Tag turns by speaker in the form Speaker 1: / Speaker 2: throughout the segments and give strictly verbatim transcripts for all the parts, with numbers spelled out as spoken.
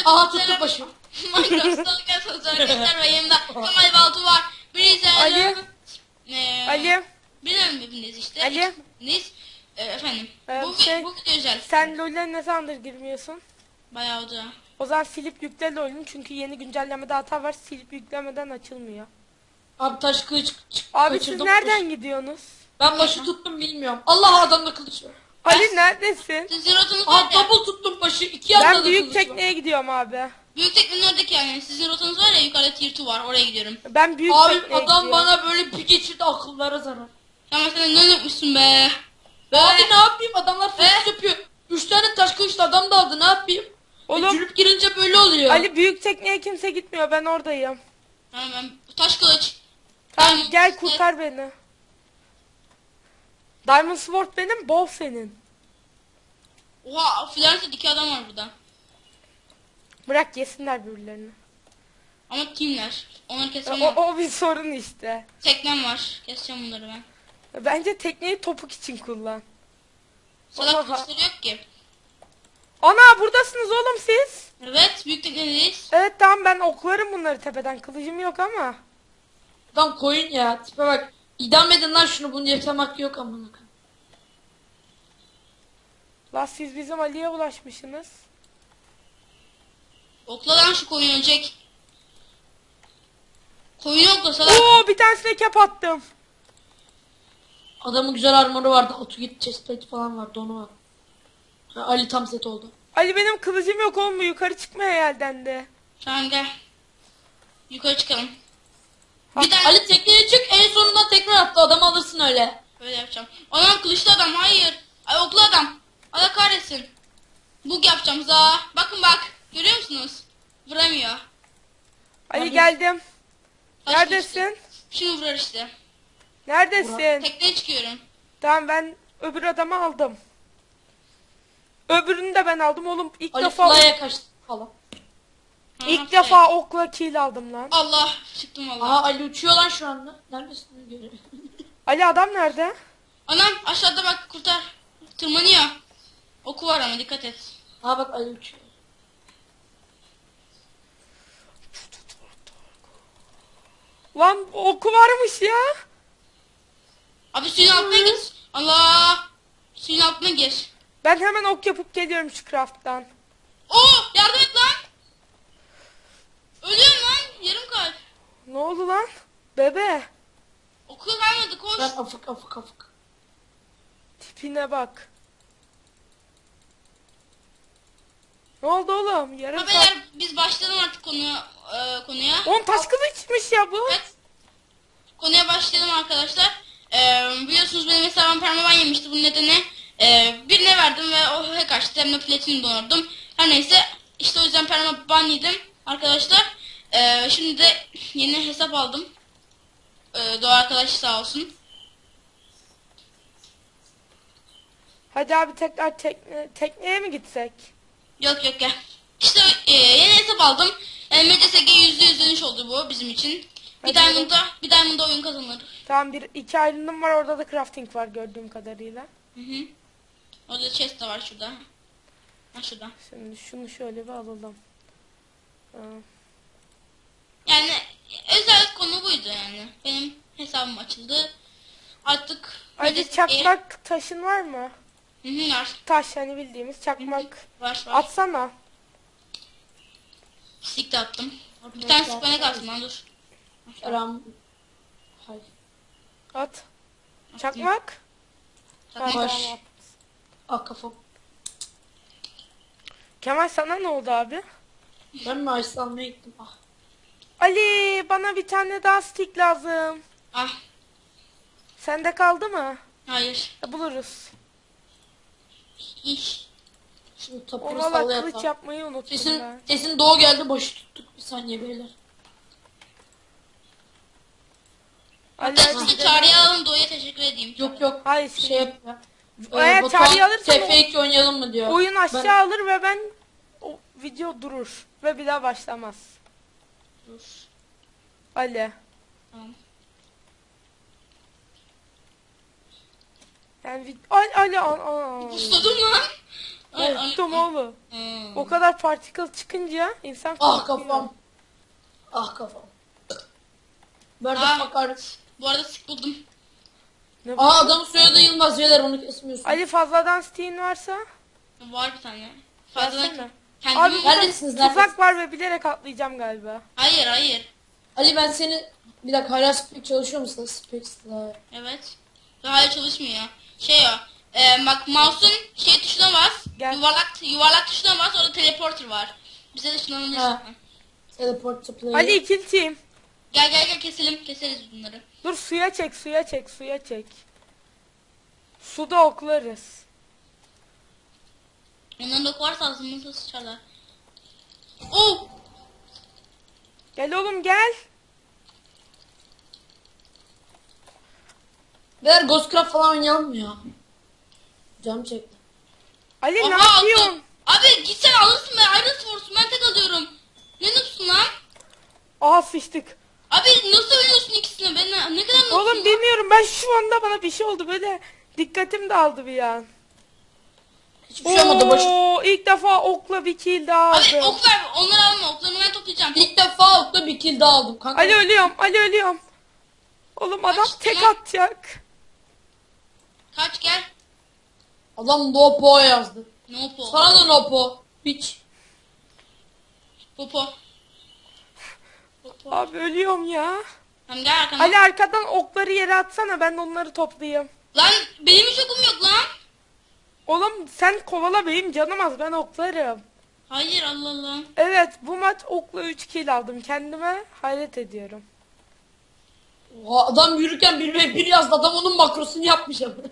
Speaker 1: Aha tuttu başım.
Speaker 2: Minecraft'ta arkadaşlar arkadaşlar ve yanımda Kemal Baltu var. Birisi
Speaker 3: Ali.
Speaker 2: Ee,
Speaker 3: Ali.
Speaker 2: Bilmiyorum hepiniz işte.
Speaker 3: Ali.
Speaker 2: Hepiniz. Ee, efendim.
Speaker 3: Ee,
Speaker 2: bu,
Speaker 3: şey,
Speaker 2: bu video özel.
Speaker 3: Sen LoL'e ne zamandır girmiyorsun?
Speaker 2: Bayağı oldu.
Speaker 3: O zaman silip yükle LoL'ün çünkü yeni güncellemede hata var, silip yüklemeden açılmıyor.
Speaker 1: Abi taş kılıç çık.
Speaker 3: Abi
Speaker 1: kaçırdım.
Speaker 3: siz nereden gidiyorsunuz?
Speaker 1: Ben başı tuttum bilmiyorum. Allah adamda kılıç var.
Speaker 3: Ali neredesin?
Speaker 2: Sizin rotanız
Speaker 1: Aha
Speaker 2: var ya.
Speaker 1: double tuttum başı. İki yanda da
Speaker 3: Ben büyük
Speaker 1: kılıç var.
Speaker 3: tekneye gidiyorum abi.
Speaker 2: Büyük teknenin oradaki yani. Sizin rotanız var ya, yukarıda tier iki var. Oraya gidiyorum.
Speaker 3: Ben büyük
Speaker 1: Abi
Speaker 3: tekneye
Speaker 1: adam
Speaker 3: gidiyorum.
Speaker 1: bana böyle bir geçirdi, akıllara zarar.
Speaker 2: Tamam sen ne yapmışsın be?
Speaker 1: Abi ne yapayım, adamlar flash
Speaker 2: Ee?
Speaker 1: yapıyor. Üç tane taş kılıçlı adam da aldı, ne yapayım?
Speaker 3: Oğlum.
Speaker 1: E, cülüp girince böyle oluyor.
Speaker 3: Ali büyük tekneye kimse gitmiyor, ben oradayım.
Speaker 2: Tamam ben taş kılıç.
Speaker 3: Tamam
Speaker 2: Diamond
Speaker 3: gel
Speaker 2: Sword.
Speaker 3: kurtar beni. Diamond Sword benim, Bow senin.
Speaker 2: Oha Florence iki adam var burada.
Speaker 3: Bırak yesinler birbirlerini.
Speaker 2: Ama teamler. Onları
Speaker 3: O,
Speaker 2: kesmem
Speaker 3: o,
Speaker 2: lazım.
Speaker 3: o bir sorun işte.
Speaker 2: Teknem var. Keseceğim bunları ben.
Speaker 3: Bence tekneyi topuk için kullan.
Speaker 2: Salak
Speaker 3: Oha.
Speaker 2: kılıçları yok ki.
Speaker 3: Ana buradasınız oğlum siz.
Speaker 2: Evet büyük teknedeyiz.
Speaker 3: Evet tamam, ben oklarım bunları tepeden, kılıcım yok ama.
Speaker 1: Adam koyun ya, tipe bak. İdam edin lan şunu, bunu yaşamak yok amına koyayım.
Speaker 3: La siz bizim Ali'ye bulaşmışsınız.
Speaker 2: Okla lan şu koyun ölecek. Koyunu okla salak.
Speaker 3: Oo bir tanesine kep attım.
Speaker 1: Adamın güzel armoru vardı, otu git chestplate falan vardı, onu var. Ha, Ali tam set oldu.
Speaker 3: Ali benim kılıcım yok oğlum, bu yukarı çıkmaya yeldendi.
Speaker 2: Tamam gel. Yukarı çıkalım.
Speaker 3: Ha,
Speaker 2: Bir tane
Speaker 1: Ali tekneye çık, en sonunda tekrar attı, adamı alırsın öyle.
Speaker 2: böyle yapacağım. Anam kılıçlı adam hayır. Ay oklu adam. Allah kahretsin. Bug yapacağım za. Bakın bak. Görüyor musunuz? Vuramıyor.
Speaker 3: Ali
Speaker 1: Abi-
Speaker 3: geldim.
Speaker 2: Taş
Speaker 3: Neredesin?
Speaker 2: kılıçlı. Şunu vurur işte.
Speaker 3: Neredesin?
Speaker 2: Tekneye çıkıyorum.
Speaker 3: Tamam ben öbür adamı aldım. Öbürünü de ben aldım oğlum. İlk
Speaker 1: Ali
Speaker 3: defa
Speaker 1: fly'a kaçtı falan.
Speaker 2: Ha,
Speaker 3: ilk
Speaker 2: şey.
Speaker 3: defa okla kill aldım lan.
Speaker 2: Allah çıktım valla.
Speaker 1: Aha Ali uçuyor lan şu anda. Neredesin görüyorum.
Speaker 3: Ali adam nerede?
Speaker 2: Anam aşağıda bak kurtar. Tırmanıyor. Oku var ama dikkat et.
Speaker 1: Aha bak Ali uçuyor.
Speaker 3: Lan oku varmış ya.
Speaker 2: Abi suyun altına git. Allah. Suyun altına gir.
Speaker 3: Ben hemen ok yapıp geliyorum şu craft'tan.
Speaker 2: Oo yardım et lan. Ölüyorum lan. Yarım kalp.
Speaker 3: Ne oldu lan? Bebe.
Speaker 2: Oku kalmadı koş.
Speaker 1: Ben afık afık afık.
Speaker 3: Tipine bak. Ne oldu oğlum? Yarım
Speaker 2: Ha
Speaker 3: saat.
Speaker 2: beyler biz başlayalım artık konuya. E, konuya.
Speaker 3: On taş kılıçmış ya bu.
Speaker 2: Evet. Konuya başlayalım arkadaşlar. Ee, biliyorsunuz benim hesabım permaban yemişti. Bunun nedeni e, birine verdim ve o hack açtı. Hem de platin donordum. Her neyse işte o yüzden permaban yedim arkadaşlar. Ee, şimdi de yeni hesap aldım. Ee, Doğa arkadaş sağ olsun.
Speaker 3: Hadi abi tekrar tekne, tekneye mi gitsek?
Speaker 2: Yok yok gel. İşte e, yeni hesap aldım. E, M C S G yüzde yüz dönüş oldu bu bizim için. Bir
Speaker 3: Hadi
Speaker 2: diamond'da bir diamond'da oyun kazanır.
Speaker 3: Tamam, bir iki ayrılım var, orada da crafting var gördüğüm kadarıyla.
Speaker 2: Hı hı. Orada chest de var şurada. Ha şurada.
Speaker 3: Şimdi şunu şöyle bir alalım. Aa,
Speaker 2: Yani özel konu buydu yani. Benim hesabım açıldı. Artık
Speaker 3: Ali
Speaker 2: M C S G
Speaker 3: çakmak taşın var mı?
Speaker 2: Hı hı var.
Speaker 3: Taş hani bildiğimiz çakmak.
Speaker 2: Var var.
Speaker 3: Atsana.
Speaker 2: Sik de attım. Bir tane sık bana kalsın lan dur.
Speaker 1: Ram. Hayır.
Speaker 3: At. Çakmak. Ha,
Speaker 2: Çakmak.
Speaker 1: Baş.
Speaker 3: tamam, at.
Speaker 1: Ah kafam.
Speaker 3: Kemal sana ne oldu abi?
Speaker 1: Ben mi ice almaya gittim? Ah.
Speaker 3: Ali bana bir tane daha stick lazım.
Speaker 2: Ah
Speaker 3: Sende kaldı mı?
Speaker 2: hayır.
Speaker 3: E, buluruz.
Speaker 2: İş.
Speaker 1: Şimdi
Speaker 3: O
Speaker 1: tapuru
Speaker 3: valla
Speaker 1: sallaya
Speaker 3: kılıç
Speaker 1: yapalım.
Speaker 3: yapmayı unuttum
Speaker 1: Sesin,
Speaker 3: ben.
Speaker 1: sesin doğu geldi, başı tuttuk. Bir saniye beyler.
Speaker 3: Ali
Speaker 2: Hatta
Speaker 3: hadi
Speaker 2: sizi
Speaker 3: gidelim.
Speaker 2: çağrıya alalım Doğu'ya teşekkür edeyim.
Speaker 1: Yok yok.
Speaker 3: Hayır,
Speaker 1: Şey yap ya.
Speaker 3: Eğer
Speaker 1: Batuhan,
Speaker 3: çağrıyı alırsan
Speaker 1: T F iki oynayalım mı diyor.
Speaker 3: oyun aşağı
Speaker 1: Ben-
Speaker 3: alır ve ben o video durur ve bir daha başlamaz.
Speaker 2: Dur.
Speaker 3: Ali.
Speaker 2: Tamam.
Speaker 3: Yani vid- Ali Ali al al. al.
Speaker 2: Pusladım lan. Ay, ay,
Speaker 3: Korktum
Speaker 2: ay.
Speaker 3: oğlum.
Speaker 2: Hmm.
Speaker 3: O kadar particle çıkınca insan
Speaker 1: Ah
Speaker 3: korkuyor.
Speaker 1: kafam. Ah kafam. Where
Speaker 2: Ah.
Speaker 1: the fuck are...
Speaker 2: Bu arada sık buldum.
Speaker 3: Ne bu?
Speaker 1: Aa adamın soyadı Yılmaz Beyler onu kesmiyorsun.
Speaker 3: Ali fazladan stiğin varsa
Speaker 2: Var bir tane. Fazladan
Speaker 3: versene.
Speaker 2: kendim...
Speaker 3: Abi burada
Speaker 1: Neredesiniz,
Speaker 3: tuzak
Speaker 1: neredesiniz?
Speaker 3: var ve bilerek atlayacağım galiba.
Speaker 2: Hayır hayır.
Speaker 1: Ali ben seni... Bir dakika hala spek çalışıyor musun? Spek
Speaker 2: Evet. Hayır çalışmıyor. Şey o. E, bak mouse'un şey tuşuna bas.
Speaker 3: Gel.
Speaker 2: Yuvarlak yuvarlak tuşuna bas. Orada teleporter var. Bize de şundan
Speaker 1: Ha. Teleport to play.
Speaker 3: Ali ikil team.
Speaker 2: Gel gel gel keselim. Keseriz bunları.
Speaker 3: Dur suya çek suya çek suya çek. Suda oklarız.
Speaker 2: Onların da varsa ağzımıza sıçarlar. Oh!
Speaker 3: Gel oğlum gel.
Speaker 1: Beyler Ghostcraft falan oynayalım mı ya? Canım çekti.
Speaker 3: Ali ne
Speaker 2: Aha,
Speaker 3: yapıyorsun?
Speaker 2: aldım. Abi gitsen alırsın be. Iron Force'u ben tek alıyorum. Ne noobsun lan?
Speaker 3: Aha sıçtık.
Speaker 2: Abi nasıl ölüyorsun ikisine? Ben ne, ne kadar noobsun
Speaker 3: Oğlum
Speaker 2: lan?
Speaker 3: bilmiyorum ben şu anda bana bir şey oldu böyle dikkatim dağıldı bir an.
Speaker 1: Hiçbir şey olmadı başı.
Speaker 3: Oo, ilk defa okla bir kill daha
Speaker 2: Abi
Speaker 3: aldım.
Speaker 2: ok ver. Onları alma. Oklarını ben toplayacağım.
Speaker 1: İlk defa okta bir kill daha aldım kanka.
Speaker 3: Ali ölüyorum Ali ölüyorum. Oğlum adam
Speaker 2: Kaç
Speaker 3: tek
Speaker 2: lan?
Speaker 3: atacak.
Speaker 2: Kaç gel.
Speaker 1: Adam Nopo yazdı.
Speaker 2: No po.
Speaker 1: Sana da Nopo. Hiç.
Speaker 2: Popo.
Speaker 3: Abi ölüyorum ya.
Speaker 2: Tamam gel arkana.
Speaker 3: Ali arkadan okları yere atsana ben de onları toplayayım.
Speaker 2: Lan benim hiç okum yok lan.
Speaker 3: Oğlum sen kovala benim canım az ben oklarım.
Speaker 2: Hayır Allah Allah.
Speaker 3: Evet bu maç okla üç kill aldım kendime hayret ediyorum.
Speaker 1: Oha, adam yürürken bir ve bir yazdı. Adam onun makrosunu yapmış ama.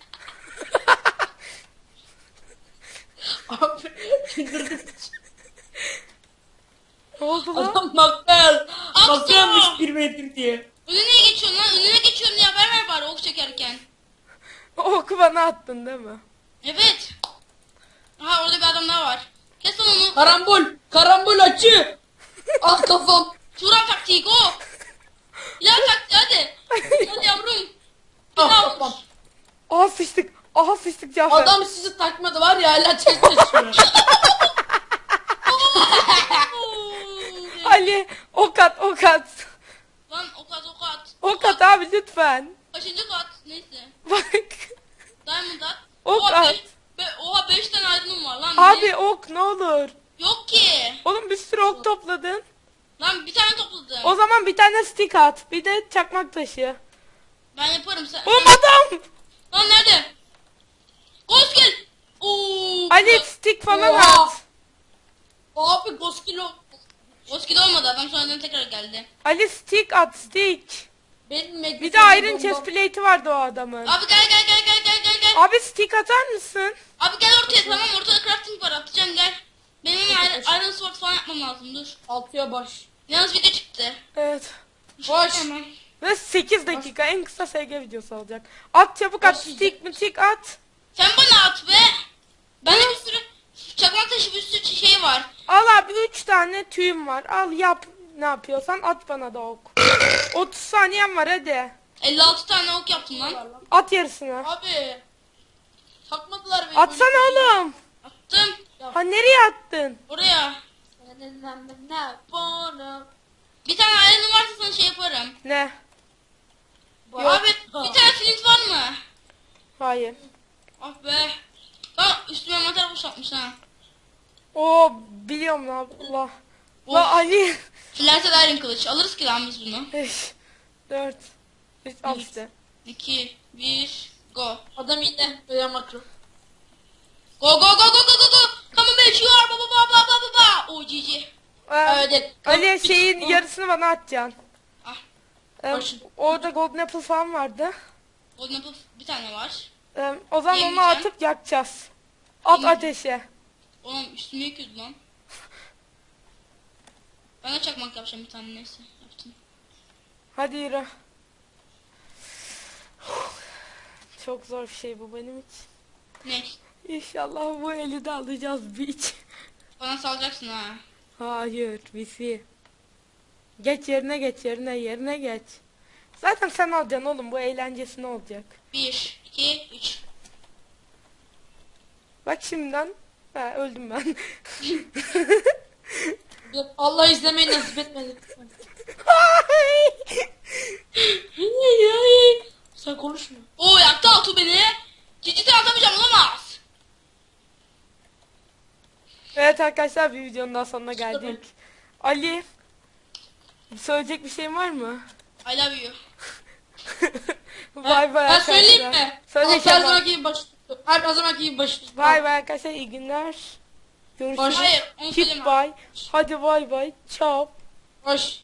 Speaker 1: Abi güldürdük.
Speaker 3: Ne oldu lan?
Speaker 1: Adam makro yaz. Makro
Speaker 2: Aptal.
Speaker 1: yazmış bir ve bir diye.
Speaker 2: Önüne geçiyorsun lan. Önüne geçiyorum diye haber ver bari ok çekerken.
Speaker 3: O oku bana attın değil mi?
Speaker 2: Evet. Aha orada bir adam daha var. Kes lan onu.
Speaker 1: Karambol. Karambol açı. Ah kafam.
Speaker 2: Turan taktiği o. İlah taktiği hadi. Hadi yavrum.
Speaker 1: Ah kafam.
Speaker 3: Aha sıçtık. Aha sıçtık Cafer.
Speaker 1: Adam sizi takmadı var ya hala çek taşıyor.
Speaker 3: Ali ok at ok at.
Speaker 2: Lan ok at ok at.
Speaker 3: Ok at abi lütfen.
Speaker 2: Kaçıncı kat? Neyse.
Speaker 3: Bak.
Speaker 2: Diamond at.
Speaker 3: Ok
Speaker 2: Oha,
Speaker 3: at.
Speaker 2: beş- be, oha beş tane iron'um var lan.
Speaker 3: Abi
Speaker 2: Ne?
Speaker 3: ok ne olur.
Speaker 2: Yok ki.
Speaker 3: Oğlum bir sürü ok topladın.
Speaker 2: Lan bir tane topladım.
Speaker 3: O zaman bir tane stick at. Bir de çakmak taşı.
Speaker 2: Ben yaparım sen.
Speaker 3: Oğlum
Speaker 2: sen-
Speaker 3: adam.
Speaker 2: Lan nerede? Ghost gel. Oo.
Speaker 3: Ali stick falan
Speaker 1: Oha.
Speaker 3: at.
Speaker 1: Abi Goskilo.
Speaker 2: Ghost gel olmadı adam sonradan tekrar geldi.
Speaker 3: Ali stick at stick.
Speaker 1: Benim
Speaker 3: Bir de iron chest plate'i vardı o adamın.
Speaker 2: Abi gel gel gel gel gel gel gel.
Speaker 3: Abi stick atar mısın?
Speaker 2: Abi gel ortaya tamam ortada crafting var atacağım gel. Benim hemen iron, iron sword falan yapmam lazım dur.
Speaker 1: Altıya baş.
Speaker 2: Yalnız video çıktı.
Speaker 3: Evet.
Speaker 1: Baş.
Speaker 2: Hemen.
Speaker 3: Ve sekiz dakika en kısa S G videosu olacak. At çabuk at
Speaker 1: Başlayacak.
Speaker 3: stick mi stick at.
Speaker 2: Sen bana at be. Bende bir sürü çakmak taşı bir sürü şey var.
Speaker 3: Al abi üç tane tüyüm var. Al yap ne yapıyorsan at bana da ok. otuz saniyen var hadi.
Speaker 2: elli altı tane ok yaptım lan.
Speaker 3: At yarısını.
Speaker 1: Abi. Takmadılar beni.
Speaker 3: Atsana oğlum.
Speaker 2: Attım.
Speaker 3: Ha nereye attın?
Speaker 2: Oraya. Bir tane iron'um varsa sana şey yaparım.
Speaker 3: Ne?
Speaker 2: Abi bir tane flint var mı?
Speaker 3: Hayır.
Speaker 2: Ah be. Lan üstüme mantar boşaltmış ha.
Speaker 3: Oo biliyorum la Allah.
Speaker 2: Of.
Speaker 3: La Ali.
Speaker 2: Flanted iron kılıç. Alırız ki lan biz bunu.
Speaker 3: beş, dört, üç, al işte.
Speaker 2: iki, bir, go.
Speaker 1: Adam yine böyle makro.
Speaker 2: Go go go go go go go. Come on bitch you are baba baba baba baba. Oh G G.
Speaker 3: Ee,
Speaker 1: Evet.
Speaker 3: Ali şeyin yarısını bana atacaksın.
Speaker 2: Ah.
Speaker 3: Ee,
Speaker 1: Başın.
Speaker 3: orada golden apple falan vardı.
Speaker 2: Golden apple bir tane var.
Speaker 3: Ee, o zaman onu
Speaker 2: Yemeyeceğim.
Speaker 3: atıp yakacağız. At
Speaker 2: Yemeyeceğim.
Speaker 3: ateşe.
Speaker 2: Oğlum üstüme yıkıyordu lan. Ben de çakmak yapacağım bir tane neyse. Yaptım.
Speaker 3: Hadi yürü. Çok zor bir şey bu benim için.
Speaker 2: Ne?
Speaker 3: İnşallah bu eli de alacağız biç.
Speaker 2: Bana salacaksın ha.
Speaker 3: Hayır bizi. Geç yerine geç yerine yerine geç. Zaten sen alacaksın oğlum bu eğlencesine olacak.
Speaker 2: bir, iki, üç.
Speaker 3: Bak şimdiden Ha, öldüm ben.
Speaker 1: Allah izlemeyi nasip etmedi. Sen konuşma.
Speaker 2: Oo yaktı Altu beni. Cici atamayacağım olamaz.
Speaker 3: Evet arkadaşlar, bir videonun daha sonuna geldik. Ali, söyleyecek bir şeyin var mı?
Speaker 2: I love you.
Speaker 3: Bay bay
Speaker 1: Ben
Speaker 3: arkadaşlar.
Speaker 1: söyleyeyim mi?
Speaker 3: Söyle
Speaker 1: Her
Speaker 3: Kemal.
Speaker 1: zamanki gibi baş. Her zamanki gibi baş.
Speaker 3: Bay bay arkadaşlar, iyi günler. Görüşürüz.
Speaker 1: Baş-
Speaker 2: Hayır onu
Speaker 3: Keep
Speaker 2: söyleme.
Speaker 3: bye. Hadi bay bay. Ciao.
Speaker 1: Baş.